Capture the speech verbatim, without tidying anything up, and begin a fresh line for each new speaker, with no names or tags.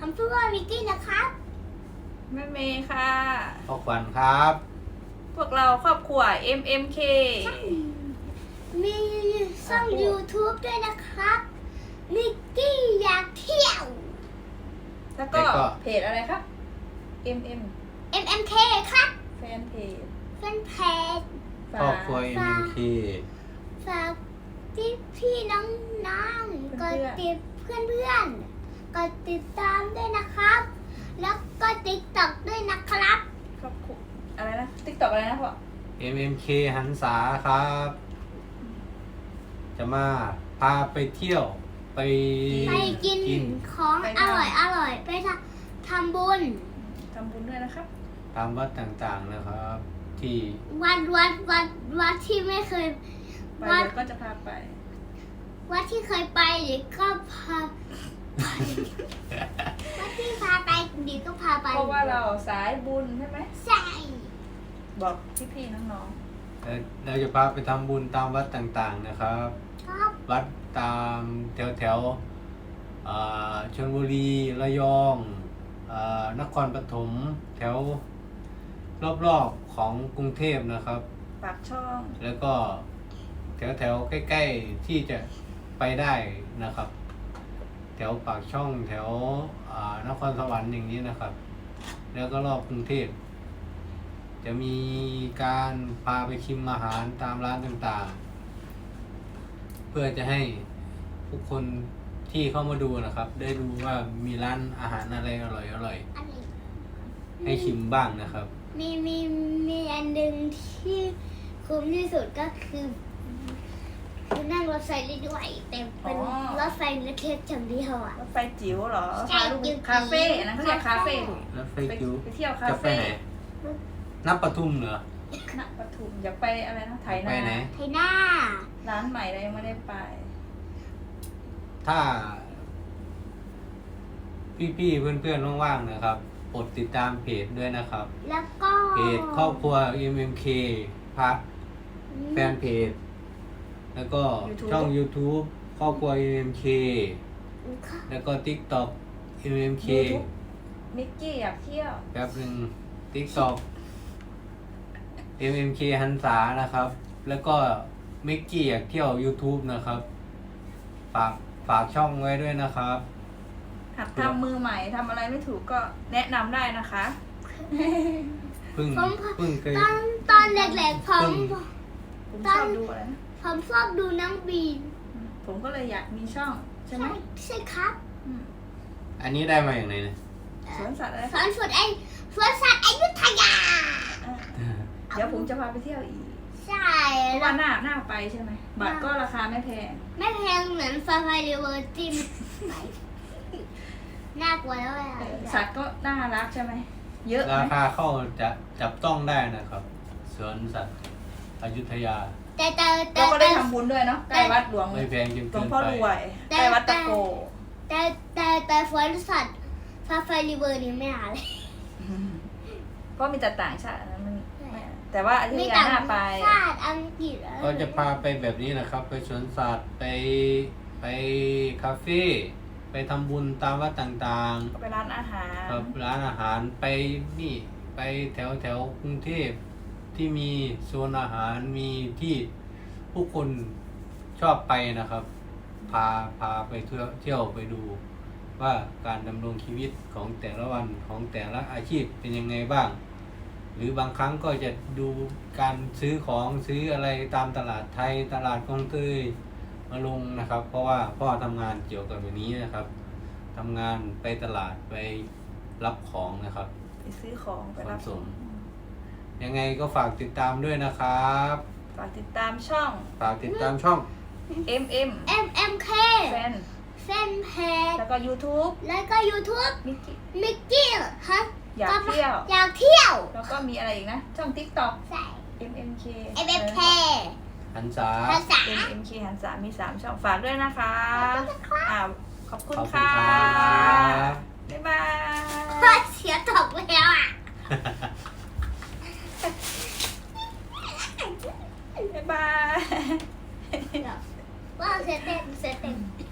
ผมชื่อว่ามิกกี้นะครับ
แม่เมย์ค่ะ
พ่อขวัญครับ
พวกเราครอบครัว เอ็ม เอ็ม เค
มีช่อง YouTube ด้วยนะครับมิกกี้อยากเที่ยว
แล้วก็เพจอะไรครับ เอ็ม เอ็ม
เอ็ม เอ็ม เค ครับ
แฟนเพจ
แฟนเพจ
ครอบครัว เอ็ม เอ็ม เค
ฝากพี่พี่น้องน้องกดติดเพื่อนเพื่อนๆกดติดตามด้วยนะครับ แล้วก็ติ๊กต็อกด้วยนะครับ
ครอบครัวอะไรนะติ๊กต็อกอะไรนะพ่อ
เอ็ม เอ็ม เค หันษาครับ จะมาพาไปเที่ยว ไป
ไปกินของอร่อยอร่อยไปทำทำบุญ
ทำบุญด้วยนะครับ
ตามวัดต่างๆนะครับ ที่
วัดวัดวัดวัดที่ไม่เคย
ไป
วัด
เดี๋ยวก็จะพาไป
วัดที่เคยไปเดี๋ยวก็พาไปวัดที่พาไปเดี๋ยวก็พาไป
เพราะว่าเราสายบุญใช่ไหม
ใช่
บอกพี่ๆน้อง
เอ่อเราจะพาไปทำบุญตามวัดต่างๆนะครับ
ครับ
วัดตามแถวแถวๆเอ่อชลบุรีระยองเอ่อนครปฐมแถวรอบๆของกรุงเทพนะครับ
ๆปากช่อง
แล้วก็แถวแถวๆใกล้ๆที่จะไปได้นะครับ แถวปากช่องแถวอ่านครสวรรค์อย่างนี้นะครับ แล้วก็รอบกรุงเทพจะมีการพาไปชิมอาหารตามร้านต่างๆ เพื่อจะให้ทุกคนที่เข้ามาดูนะครับ ได้รู้ว่ามีร้านอาหารอะไรอร่อยอร่อย
อันนี้
ๆให้ชิมบ้างนะครับ
มีมีมีอันหนึ่งที่คุ้มที่สุดก็คือคือนั่งรถไฟได้ด้วยแต่เป็นรถไฟเล็กๆอย่างเดียวอ่ะ
รถไฟจิ๋วเหรอ
ใช่
พาลูก
จิ๋ว
คาเฟ่อันนั้นเขาเรียกคาเฟ่ถูก
แล้วไฟ
ไป
จิ๋ว
ไปเที่ยวคา
จะไป
เฟ่
ไหนนับปทุมเหรอ
ณปทุมอยากไปอะไรนะไถ
ไป
นา
ไหน
ไทยหน้า
ร้านใหม่เรายังไม่ได้ไป
ถ้า พี่ๆเพื่อนๆว่างๆนะครับกดติดตามเพจด้วยนะครับ
แล้วก็
เพจครอบครัว เอ็ม เอ็ม เค พักแฟนเพจ แล้วก็
YouTube
ช่อง YouTube ครอบครัว เอ็ม เอ็ม เค แล้วก็ TikTok เอ็ม เอ็ม เค
YouTube มิกกี้อยากเที่ยว
แป๊บหนึ่ง TikTok เอ็ม เอ็ม เค หันษานะครับ แล้วก็มิกกี้อยากเที่ยว YouTube นะครับ ฝากฝากช่องไว้ด้วยนะครับ
หัดทำมือใหม่ทำอะไรไม่ถูกก็แนะนำได้นะคะ
เพิ่ง
ผม
เพิ่งเคย
ตอนตอนเด็กๆผม
ผมชอบดูอะไรนะ
ผมชอบดูน้องบีน
ผมก็เลยอยากมีช่องใช่ไหม
ใช่ครับ
อืม
อันนี้ได้มาอย่างไรนะ
สวนสัตว์อะไร
สอนสวนไอสวนสัตว์อยุธยา
อ่ะเดี๋ยวผมจะพาไปเที่ยวอีก
ใช่
เพราะ
แล้
ว่าว หน้าหน้าไปใช่ไหมบัตรก็ราคาไม่แพง
ไม่แพงเหมือนฟาไฟเรเวอร์จิมน่ากลัวแล้วอะ
เออสัตว์ก็น่ารักใช่ไหมเยอะไห
ราม คาเข้าจะจับต้องได้นะครับสวนสัตว์อยุธยา
แต่แต่แต่
เราก็ได้
แต่
ทำบุญด้วยเนาะใกล้วัดหลวง
ไม่แพงจน
หล
เกิ
วง
น
พ่อ
ไป
รวยใกล้วัดตะโก
แต่แต่แต่สวนสัตว์ฟาไฟเรเวอร์นี่ไม่หาเลย
เพราะมีแต่ต่างชาตินะมันไม่แต่ว่าอยุธ
ไม่
ยา
ต่าง
หน้าไป
ชาติอังกฤษอะไร
ก็จะพาไปแบบนี้นะครับ ไปสวนสัตว์ไปไปคาเฟ่ไปทำบุญตามวัดต่าง
ก็ไปร้านอาหาร
ๆครับร้านอาหารไปนี่ไปแถวแถวกรุงเทพที่มีโซนอาหารมีที่ผู้คนชอบไปนะครับ พาพาไปเที่ยวเที่ยวไปดู ว่าการดำรงชีวิตของแต่ละวันของแต่ละอาชีพเป็นยังไงบ้าง หรือบางครั้งก็จะดูการซื้อของซื้ออะไรตามตลาดไทยตลาดกองเตยมาลงนะครับ เพราะว่าพ่อทำงานเกี่ยวกับแบบนี้นะครับทำงานไปตลาดไปรับของนะครับ
ไปซื้อของไปรับ
ขนส่ง ยังไงก็ฝากติดตามด้วยนะครับ
ฝากติดตามช่อง
ฝากติดตามช่อง
เอ็ม เอ็ม
เอ็มเอ็มเค
แฟน
แฟนเพจ
แล้วก็ YouTube
แล้วก็ YouTube
มิกกี้
มิกกี้ฮะ
อยากเที่ยว
อยากเที่ยว
แล้วก็มีอะไรอีกนะ ช่อง TikTok
ใส่
เอ็ม เอ็ม เค
เอ็มเอ็มเค
หันษา
ภาษา
เอ็ม เอ็ม เค หันษามีสามช่องฝากด้วยนะคะ อ่าขอบคุณ
ขอบคุณ
ค่ะ
ครับ
บ๊ายบาย
พ่อเสียตกแล้วอ่ะ
บ๊ายบาย
ว่าเสียเต็มเสียเต็ม